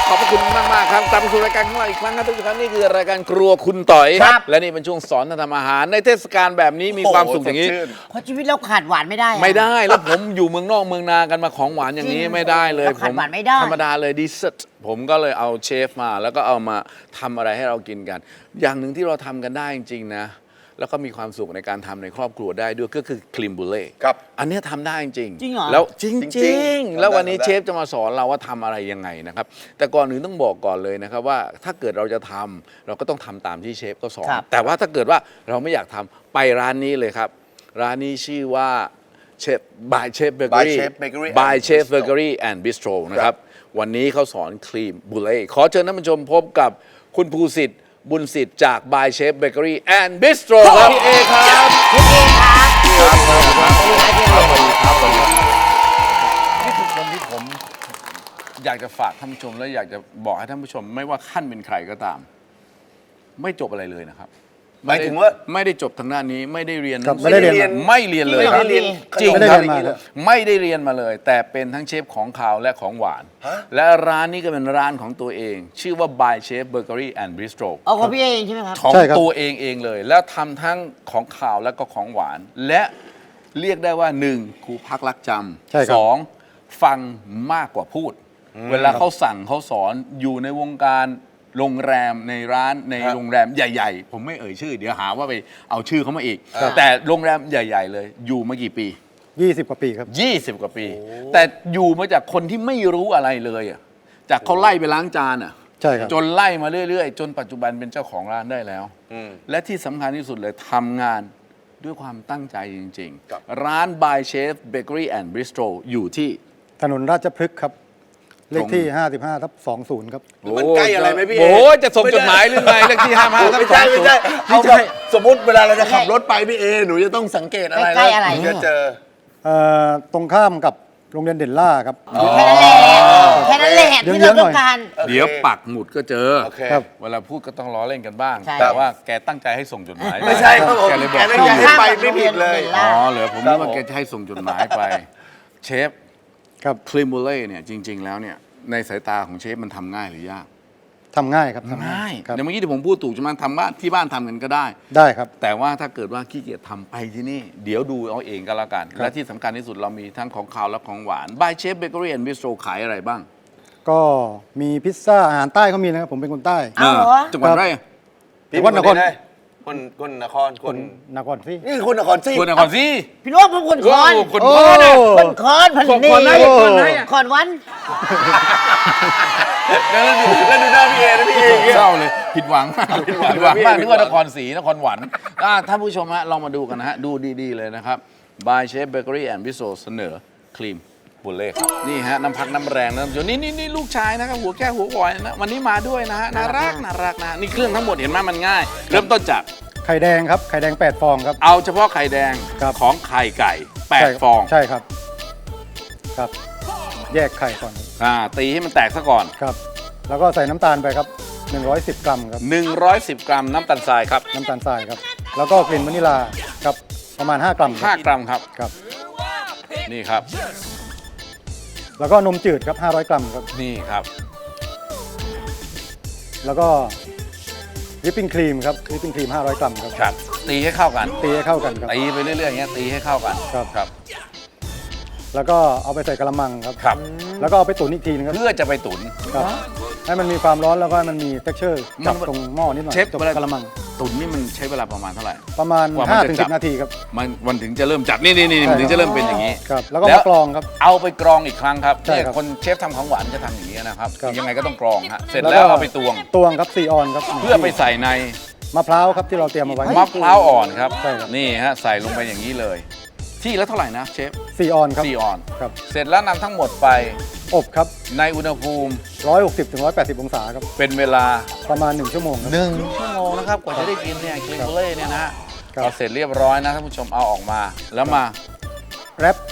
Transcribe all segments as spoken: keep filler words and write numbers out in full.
ขอบพระคุณมากมากครับกลับมาสู่รายการของเราอีกครั้งครับทุกท่านนี่คือรายการครัวคุณต่อยและนี่เป็นช่วงสอนทำอาหารในเทศกาลแบบนี้มีความสุขอย่างนี้เพราะชีวิตเราขาดหวานไม่ได้ไม่ได้แล้วผมอยู่เมืองนอกเมืองนากันมาของหวานอย่างนี้ไม่ได้เลยผมธรรมดาเลยดิเซอร์ทผมก็เลยเอาเชฟมาแล้วก็เอามาทำอะไรให้เรากินกันอย่างหนึ่งที่เราทำกันได้จริงๆนะแล้วก็มีความสุขในการทำในครอบครัวได้ด้วยก็คือครีมบูเล่ครับอันนี้ทำได้จริงจริงเหรอแล้วจริงๆ แล้ววันนี้ทำได้เชฟจะมาสอนเราว่าทำอะไรยังไงนะครับแต่ก่อนอื่นต้องบอกก่อนเลยนะครับว่าถ้าเกิดเราจะทำเราก็ต้องทำตามที่เชฟก็สอนแต่ว่าถ้าเกิดว่าเราไม่อยากทำไปร้านนี้เลยครับร้านนี้ชื่อว่าเชฟ by Chef Bakery By Chef Bakery by and Chef Bistro Bakery and Bistro นะครับวันนี้เขาสอนครีมบูเล่ขอเชิญท่านผู้ชมพบกับคุณภูสิทธิ์บุญสิทธิ์จาก by Chef Bakery and Bistro ครับพี่เอครับพี่เอครับครับสวัสดีครับสวัสดีครับสวัสดีครับสวัสดีครับนี่คือคนที่ผมอยากจะฝากท่านผู้ชมและอยากจะบอกให้ท่านผู้ชมไม่ว่าขั้นเป็นใครก็ตาม ไม่จบอะไรเลยนะครับหมายถึงว่าไม่ได้จบทางด้านนี้ไม่ได้เรียนครับไม่ได้เรียนไม่เรียนเลยไม่ได้เรียนจริงไม่ได้ครับเรียนมาครับไม่ได้เรียนมาเลย แต่เป็นทั้งเชฟของคาวและของหวานฮะและร้านนี้ก็เป็นร้านของตัวเอง ชื่อว่า by Chef Bakery and Bistro เอาของพี่เอเองใช่ไหมครับของใช่ครับตัวเองเองเลย แล้วทำทั้งของขาวและก็ของหวาน และเรียกได้ว่าหนึ่งครูพักรักจใช่ครัำบสองฟังมากกว่าพูด เวลาเขาสั่งเขาสอนอยู่ในวงการโรงแรมในร้านในครับโรงแรมใหญ่ๆ ผมไม่เอ่ยชื่อ เดี๋ยวหาว่าไปเอาชื่อเขามาอีก แต่โรงแรมใหญ่ๆเลยอยู่มากี่ปียี่สิบกว่าปีครับยี่สิบกว่าปี แต่อยู่มาจากคนที่ไม่รู้อะไรเลยอะจากเขาไล่ไปล้างจานอะใช่ครับจนไล่มาเรื่อยๆ จนปัจจุบันเป็นเจ้าของร้านได้แล้วอืมและที่สำคัญที่สุดเลยทำงานด้วยความตั้งใจจริงครับๆ ร้าน by Chef Bakery and Bistro อยู่ที่ถนนราชพฤกษ์ครับ เลขที่ ห้าสิบห้าทับสองศูนย์ครับมันใกล้อะไรไหมพี่เอโอ้จะส่งจดหมายหรือไงเลขที่ห้าห้าทับไม่สอใช่งไม่ศูนใช่ย์เอาแบบสมมติเวลาเราจะขับรถไปพี่เอหนูจะต้องสังเกตอะไรใกล้ๆอะไรถึงจะเจอเอ่อตรงข้ามกับโรงเรียนเด่นล่าครับแค่นั้นแหละแค่นั้นแหละที่เราต้องการเดี๋ยวปักหมุดก็เจอโอเคครับเวลาพูดก็ต้องล้อเล่นกันบ้างใช่แต่ว่าแกตั้งใจให้ส่งจดหมายไม่ใช่ครับผมแกเลยบอกแกตั้งใจให้ไปไม่ผิดเลยอ๋อเหรอผมนึกว่าแกจะให้ส่งจดหมายไป เชฟครับครีมบูเล่เนี่ยจริง ๆ แล้วเนี่ยในสายตาของเชฟมันทำง่ายหรือยากทำง่ายครับทำง่ายครับเดี๋ยวเมื่อกี้ที่ผมพูดถูกใช่ไหมทำบ้านที่บ้านทำกันก็ได้ได้ครับแต่ว่าถ้าเกิดว่าขี้เกียจทำไปที่นี่ เดี๋ยวดูเอาเองก็แล้วกันครับและที่สำคัญที่สุดเรามีทั้งของคาวและของหวาน by Chef Bakery and Bistro ขายอะไรบ้างก็มีพิซซ่าอาหารใต้เขามีนะครับผมเป็นคนใต้เอาเหรอจังหวัดอะไรจังหวัดนครคนคนนครคคนนนครสินี่คนนครสิคนนครศรีพี่น้องผมคนคอนโอ้คนโอ้คอนนะคนคอนพันนี่คนไหนคนไหนอะคอนวันแล้วดูแล้วดูหน้าพี่เอนะพี่เออย่างเงี้ยเศร้าเลยผิดหวังมากผิดหวังผิดหวังมากผินึดกหวังว่านครศรีนครหวันอ่ะท่านผู้ชมฮะลองมาดูกันนะฮะ ดูดีๆเลยนะครับ by Chef Bakery and Bistro เสนอครีมบุเล่ครับนี่ฮะน้ำพักน้ำแรงนะท่านผู้ชมนี่นี่นี่ลูกชายนะครับหัวแก้วหัวกอยนะวันนี้มาด้วยนะฮะน่ารักน่ารักนะนี่เครื่องทั้งหมดเห็นไหมมันง่าย เริ่มต้นจากไข่แดงครับไข่แดงแปดฟองครับเอาเฉพาะไข่แดงครับของไข่ไก่แปดใช่ฟองใช่ครับ ครับ แยกไข่ก่อนอ่าตีให้มันแตกซะก่อนครับ แล้วก็ใส่น้ำตาลไปครับหนึ่งร้อยสิบกรัมครับหนึ่งร้อยสิบ กรัมน้ำตาลทรายครับน้ำตาลทรายครับ แล้วก็กลิ่นวานิลลาครับประมาณ ห้ากรัมคห้ารับกรัมครับครับนี่ครับแล้วก็นมจืดครับห้าร้อยกรัมครับนี่ครับแล้วก็วิปปิ้งครีมครับวิปปิ้งครีมห้าร้อยกรัมครับครับ ตีให้เข้ากันตีให้เข้ากันครับตีไปเรื่อยๆอย่างเงี้ยตีให้เข้ากันครับครับแล้วก็เอาไปใส่กระมังครับครับแล้วก็เอาไปตุ๋นอีกทีนึงครับเพื่อจะไปตุ๋นครับ ให้มันมีความร้อนแล้วก็ให้มันมี texture จับมันตรงหม้อนิดหน่อยเชฟตรงเวลากระมังตุ๋นนี่มันใช้เวลาประมาณเท่าไหร่ประมาณกว่ามันห้าจะถึงจัสิบบนาทีครับมันมันถึงจะเริ่มจับนี่นี่นี่ใช่มันถึงจะเริ่มเป็นอย่างนี้ครับ แล้วก็แล้วมากรองครับเอาไปกรองอีกครั้งครับใช่เนี่ยครับคนเชฟทำของหวานจะทำอย่างนี้นะครับครับยังไงก็ต้องกรองฮะเสร็จแล้วก็แล้วเอาไปตวงตวงครับซีออนครับเพื่อไปใส่ในมะพร้าวครับที่เราเตรียมเอาไว้มะพร้าวอ่อนครับใช่ครับนี่ฮะใส่ลงไปอย่างนี้เลย ที่แล้วเท่าไหร่นะเชฟซีออนครับสี่ออนครับเสร็จแล้วนำทั้งหมดไปอบครับในอุณหภูมิร้อยหกสิบถึงร้อยแปดสิบองศาครับเป็นเวลาประมาณหนึ่งชั่วโมงครับหนึ่งชั่วโมงนะครับกว่าจะได้กินเนี่ยครีมเบเล่เนี่ยนะฮะครับพอเสร็จเรียบร้อยนะท่านผู้ชมเอาออกมา แล้วมาแรป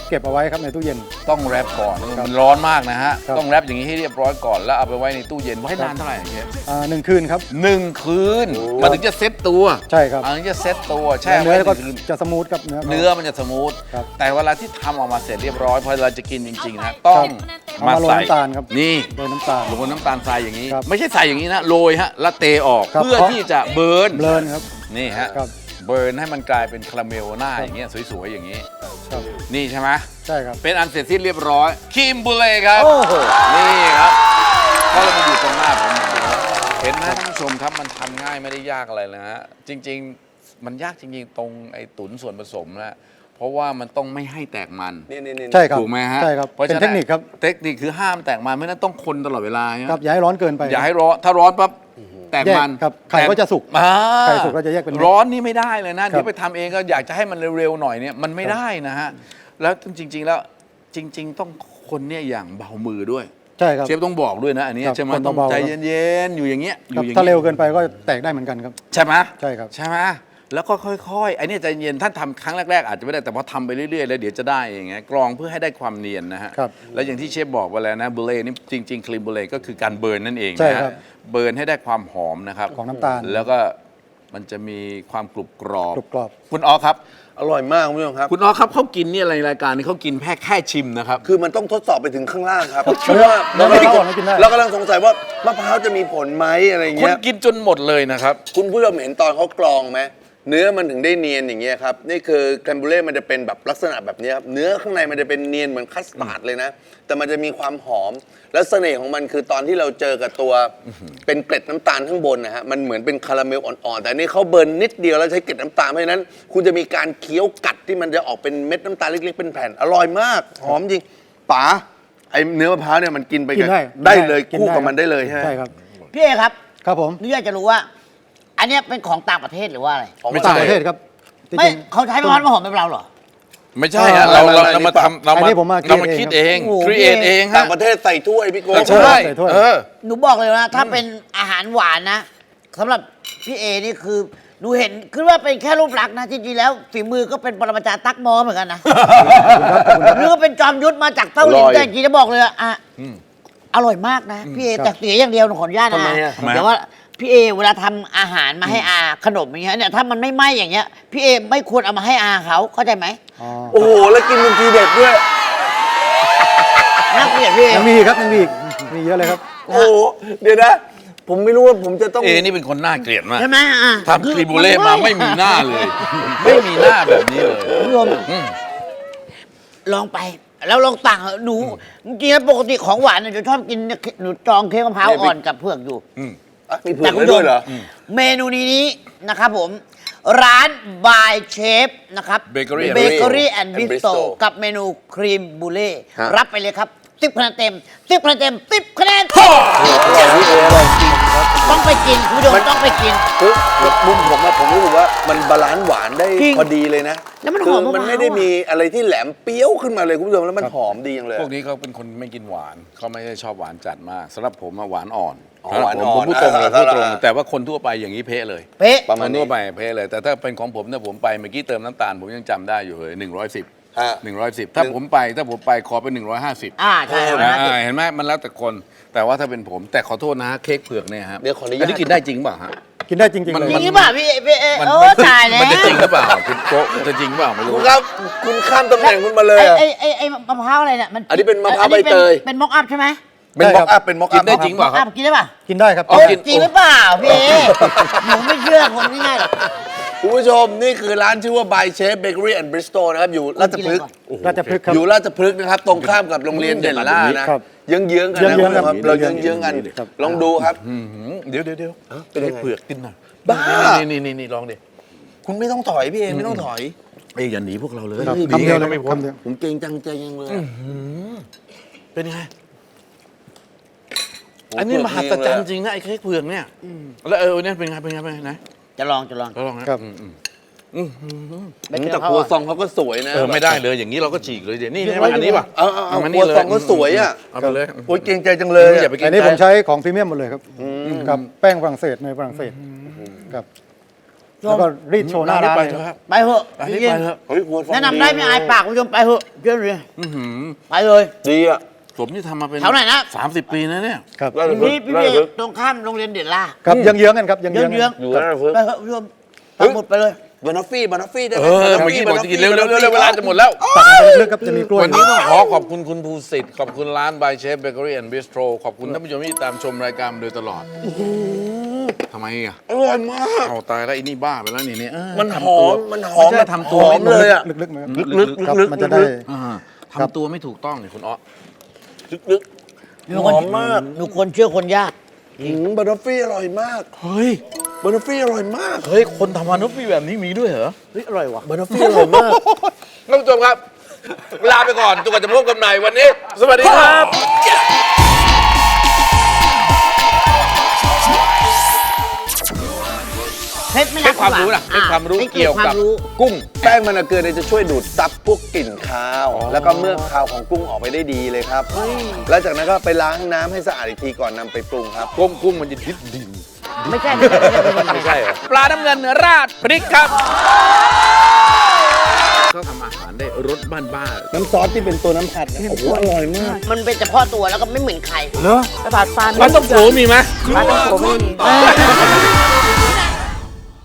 เก็บเอาไว้ครับในตู้เย็นต้องแรปก่อนมันร้อนมากนะฮะครับต้องแรปอย่างนี้ให้เรียบร้อยก่อนแล้วเอาไปไว้ในตู้เย็นไว้นานเท่าไหร่เชฟอ่าหนึ่งคืนครับหนึ่งคืนมันถึงจะเซ็ตตัวใช่ครับมันถึงจะเซ็ตตัวแช่เนื้ไว้อหก็นึ่งคืนจะสมูทครับเนื้อเนื้อมันจะสมูทครับแต่เวลาที่ทำออกมาเสร็จเรียบร้อยพอเราจะกินจริงๆนะต้องเอามามาโรยใส่น้ำตาลครับนี่โรยน้ำตาลโรยน้ำตาลทรายอย่างนี้ครับไม่ใช่ใส่อย่างนี้นะโรยฮะแล้วเตออกครับเพื่อที่จะเบิร์นเบลอนครับนี่ฮะครับเบิร์นให้มันกลายเป็นคาราเมลหน้าอย่างเงี้ยสวยๆอย่างนี้ครับนี่ใช่ไหมใช่ครับเป็นอันเสร็จสิ้นเรียบร้อยครีมบูเล่ครับโอ้โหนี่ครับก็เลยมาอยู่ตรงหน้าผมอย่างนี้เห็นไหมท่านผู้ชมครับมันทำง่ายไม่ได้ยากอะไรเลยนะฮะจริง ๆ มันยากจริงๆตรงไอ้ตุ๋นส่วนผสมนะเพราะว่ามันต้องไม่ให้แตกมันนี่นี่นี่ใช่ครับถูกไหมฮะใช่ครับพาะเป็นฉะเทคนิคครับเทคนิคคือห้ามแตกมันไม่นั้นต้องคนตลอดเวลาใช่ไหมครับอย่าให้ร้อนเกินไปอย่าให้ร้อนถ้าร้อนปั๊บแตกมันแยกครับไข่ก็จะสุกอ่าไข่สุกก็จะแยกเป็นเม็ดร้อนนี่ไม่ได้เลยนะครับเดี๋ยวไปทำเองก็อยากจะให้มันเร็วๆหน่อยเนี่ยมันไม่ได้นะฮะแล้วจริง ๆ แล้วจริง ๆ ต้องคนเนี่ยอย่างเบามือด้วยใช่ครับเชฟต้องบอกด้วยนะอันนี้ครับใช่ไหมคนต้องเบาๆใจเย็นๆอยู่อย่างเงี้ยอครับยู่อย่างถ้าเงี้ยเร็วเกินไปก็แตกได้เหมือนกันครับใช่ไหมใช่ครับใช่ไหมแล้วก็ค่อยๆไอ้เนี่ยใจเย็นท่านทำครั้งแรกๆอาจจะไม่ได้แต่พอทำไปเรื่อยๆแล้วเดี๋ยวจะได้เองไงกรองเพื่อให้ได้ความเนียนนะฮะครับแล้วอย่างที่เชฟบอกไปแล้วนะบูเล่นี่จริงๆครีมบูเล่ก็คือการเบิร์นนั่นเองใช่นะครัฮะบเบิร์นให้ได้ความหอมนะครับของน้ำตาลแล้วก็มันจะมีความกรุบกรอบกรุบกรอบคุณอ๋อครับอร่อยมากคุณผู้ชมครับคุณอ๋อครับเขากินเนี่ยอะไรรายการนี้เขากินแค่แค่ชิมนะครับคือมันต้องทดสอบไปถึงข้างล่างครับครับเพราะว่าแล้เราวกำลังมะพร้าวอ่อนก็กินได้เรากำลังสงสัยว่ามะพร้าวจะมีผลไหมอะไรคุณเงี้ยกินจนหมดเลยนะครับคุณผู้ชมเห็นตอนเขากรองไหมเนื้อมันถึงได้เนียนอย่างเงี้ยครับนี่คือแครมบูเล่มันจะเป็นแบบลักษณะแบบเนี้ยครับเนื้อข้างในมันจะเป็นเนียนเหมือนคัสตาร์ดเลยนะ แต่มันจะมีความหอม และเสน่ห์ของมันคือตอนที่เราเจอกับตัวเป็นเกล็ดน้ำตาลข้างบนนะฮะมันเหมือนเป็นคาราเมลอ่อนๆแต่อันนี่เขาเบิร์นนิดเดียวแล้วใช้เกล็ดน้ำตาลเพราะฉะนั้น คุณจะมีการเคี้ยวกัดที่มันจะออกเป็นเม็ดน้ำตาลเล็กๆเป็นแผ่นอร่อยมากหอมจริงป๋าไอเนื้อมะพร้าวเนี่ยมันกินไปกินได้ได้เลยกินคู่ได้กับมันได้เลยใช่ไหมใช่ครับพี่เอครับครับผมนี่อยากจะรู้ว่า อันเนี้ยเป็นของต่างประเทศหรือว่าอะไรของไม่ต่างใช่ประเทศครับจไม่ริงๆเขาใช้มะพร้าวน้ำหอมเป็นเราเหรอไม่ใช่ฮะเออเราเราไม่เราไม่มาทำเราอันมานี้ผมมาเรามาคิดเองโอ้โหครีเอทเองต่าฮะงประเทศใส่ถ้วยพี่โก้ใช่ใส่ถ้วยเออหนูบอกเลยนะถ้าเป็นอาหารหวานนะสำหรับพี่เอนี่คือหนูเห็นคือว่าเป็นแค่รูปลักษณ์นะจริงๆแล้วฝีมือก็เป็นปรมาจารย์ตักมอเหมือนกันนะหรือว่าเป็นจอมยุทธมาจากเต้าหลินแต่จริงๆจะบอกเลยอะอ่ะอร่อยมากนะพี่เอแต่เสียอย่างเดียวหนูขออนุญาตนะทำไมอะทำไมเดี๋ยวว่าพี่เอเวลาทำอาหารมาให้อาขนมอย่างเงี้ยเนี่ยถ้ามันไม่ไหม้อย่างเงี้ยพี่เอไม่ควรเอามาให้อาเขาเข้าใจไหมอ๋อโอ้โหแล้วกินเป็นทีเด็ดด้วยน่าเกลียดพี่เอยังมีอีกครับยังมีอีกมีเยอะเลยครับโอ้โหเดี๋ยวนะ ผมไม่รู้ว่าผมจะต้องเอนี่เป็นคนน่าเกลียดมากใช่ไหมอ่ะทำครีบูเล่มาไม่มีหน้าเลย ไม่มีหน้าแบบนี้เลยคุณผู้ชมอืมลองไป แล้วลองสั่งเหอะหนูจริงๆแล้วปกติของหวานเนี่ยจะชอบกินเนี่ยหนูจองเค้กมะพร้าวอ่อนกับเผือกอยู่อ่ะมีเผือกไว้ด้วยเหรอเมนูนี้นะครับผม ร้าน by Chef นะครับ Bakery and เบเกอรี่แอนด์ and บิสโต Bistro กับเมนูครีมบูเล่ฮะรับไปเลยครับสิบคะแนนเต็มสิบคะแนนเต็มสิบคะแนนต้องไปกินคุณผู้ชมต้องไปกินคือมุมผมอะผมรู้สึกว่ามันบาลานซ์หวานได้จริงพอดีเลยนะแล้วมันหคือมมะพร้าวมันไม่ได้มีอะไรที่แหลมเปรี้ยวขึ้นมาเลยคุณผู้ชมแล้วมันหอมดีอย่างเลยพวกนี้เขาเป็นคนไม่กินหวานเขาไม่ได้ชอบหวานจัดมากสำหรับผมอะหวานอ่อนอ๋อสำหรับผมหวานอ่อนผมพูดตรงเลยอ่าพูดตรงอ่าแต่ว่าคนทั่วไปอย่างนี้เพ้เลยเป๊ะประมาณคนนี้ทั่วไปเพ้เลย แต่ถ้าเป็นของผมเนี่ยผมไปเมื่อกี้เติมน้ำตาลผมยังจำได้อยู่เลยหนึ่งร้อยสิบฮะหนึ่งร้อยสิบถ้าผมไปถ้าผมไปขอเป็นหนึ่งร้อยห้าสิบอ่าใช่ครับอ่าเห็นไหมมันแล้วแต่คน แต่ว่าถ้าเป็นผมแต่ขอโทษนะเค้กเผือกเนี่ยครับเดี๋ยวขออนุญาตนนี้กินได้จริงเปล่าฮะกินได้จริงมันๆเลยจริงหรือเปล่าพี่เอพี่เอมันโอ้มันตายแล้วมันจะจริงหรือเปล่าคุณโกะจะจริงเปล่าไม่คุรู้ณครับคุณข้ามตำแหน่งคุณมาเลยอะไอ้ไอ้ไอ้ไอ้มะพร้าวอะไรเนี่ยมันอันนี้เป็นมะพร้าวอันนี้ใบเตยเป็นม็อกอัพใช่ไหมเป็นม็อกอัพเป็นม็อกกิอันพได้จริงเปล่าครับอ่ะกินได้ป่ะกินได้ครับอ๋อเอ้ยกินจริงหรือเปล่าพี่เอหนูไม่เชื่อคนง่ายๆหรอกคุณผู้ชมนี่คือร้านชื่อว่า by Chef Bakery and Bistro นะครับอยู่ราชพฤกษ์ราชพฤกษ์ครับอยู่ราชพฤกษ์นะครับ ตรงข้ามกับโรงเรียนเด่นล่านะครับ เยื้องๆกันนะเยื้องๆคุณผู้ชมครับครับเราเยื้องๆกันครับลองดูครับอื้อหือเดี๋ยวเดี๋ยวเดี๋ยวเป็นยังไงเผือกกินหน่อยบ้านี่นี่นี่นี่ลองดิคุณไม่ต้องถอยพี่เอไม่ต้องถอยเอ้ยอย่าหนีพวกเราเลยครับหนีคำเดียวเลยก็ไม่พ้นคำเดียวผมเกรงจังใจยังเลยเป็นไง อันนี้มหัศจรรย์จริงนะไอ้เค้กเผือกเนี่ยแล้วเออเนี่ยเป็นไงเป็นไงเป็นไงไหนจะลองจะลองเราลองนะครับ อืมอืมไม่เจแต่อคเขารัวอ่ะซองเขาก็สวยนะเออไม่ได้เลยอย่างนี้เราก็ฉีกเลยเดี๋ยวนี่เดี๋ยวใช่ไหมอันนี้ป่ะเอาเอาเอามันคนี่รัวเลยซองก็สวยอ่ะเอาไปเลยโอ้ยเกรงใจจังเลยอย่าไปกินอันนี้ผมใช้ของพรีเมียมหมดเลยครับกับแป้งฝรั่งเศสในฝรั่งเศสครับแล้วก็รีดโชว์หน้าร้านไปเลยเถครับอะครับไปเถอะไปจให้ริงไปเถอะเฮ้ยหัวฟองๆแนะนำได้ไม่อายปากคุณผู้ชมไปเถอะเชื่อเลยอื้อหือไปเลยดีอ่ะผมที่ทำมาเป็นแถวไหนนะสามสิบปีนะเนี่ยครับได้เลยพี่พี่ได้พี่เลยตรงข้ามโรงเรียนเด่นล่าครับเยื้องๆกันครับเยื้องๆเยื้องกันๆอยู่ได้เลยไปเถอะคุณผู้ชมปักหมุดไปเลยบานอฟฟี่บานอฟฟี่ได้เอไหมอเมื่อกี้บอกจะกินเร็วๆเร็วๆเร็วๆเวลาจะหมดแล้วตักไปเลือกๆครับจะมีกล้วยวันนี้ต้องขอขอบคุณคุณภูสิทธิ์ขอบคุณร้าน by Chef Bakery and Bistro ขอบคุณท่านผู้ชมที่ตามชมรายการมาโดยตลอดทำไมอ่ะอร่อยมากเอาตายแล้วไอ้นี่บ้าไปแล้วนี่เนี่ยเออมันหทำอตัวมมันหอมไม่ใช่ทำตัวหอไม่มเลยอ่ะลึกๆไหมครับลึกๆครับลึกๆมันจะได้ลึกอ่าครับทำตัวไม่ถูกต้องนี่คุณอ๊อลึกหนูๆหอมมากหนูคนเชื่อคนยากอืมบานอฟฟี่อร่อยมากเฮ้ยบานอฟฟี่อร่อยมากเฮ้ยคนทำมานุษย์มีแบบนี้มีด้วยเหรอเฮ้ยอร่อยว่ะบานอฟฟี่อร่อยมากท่านผู้ชมครับ ลาไปก่อนจนกว่าจะพบกันใหม่วันนี้ สวัสดีครับเพชรไม่ให้รักความรู้นะให้ความรู้ให้เกี่ยวกับความรู้กุ้งแป้งมันเกลือเนี่ยจะช่วยดูดซับพวกกลิ่นคาว แล้วก็เมือกคาวของกุ้งออกไปได้ดีเลยครับ แล้วจากนั้นก็ไปล้างน้ำให้สะอาดอีกทีก่อนนำไปปรุงครับกุ้งกุ้งมันจะดิบดินไม่ใช่ไม่ใช่ไม่ใช่ไม่ใช่ไม่ใช่เหรอปลาน้ำเงินราดพริกครับก็ทำอาหารได้รสบ้านบ้านน้ำซอสที่เป็นตัวน้ำผัดเนี่ยโอ้โหอร่อยมากมันเป็นเฉพาะตัวแล้วก็ไม่เหมือนใครเหรอกระดาษปลาปลาต้องโขมีไหมปลาต้องโขไม่มี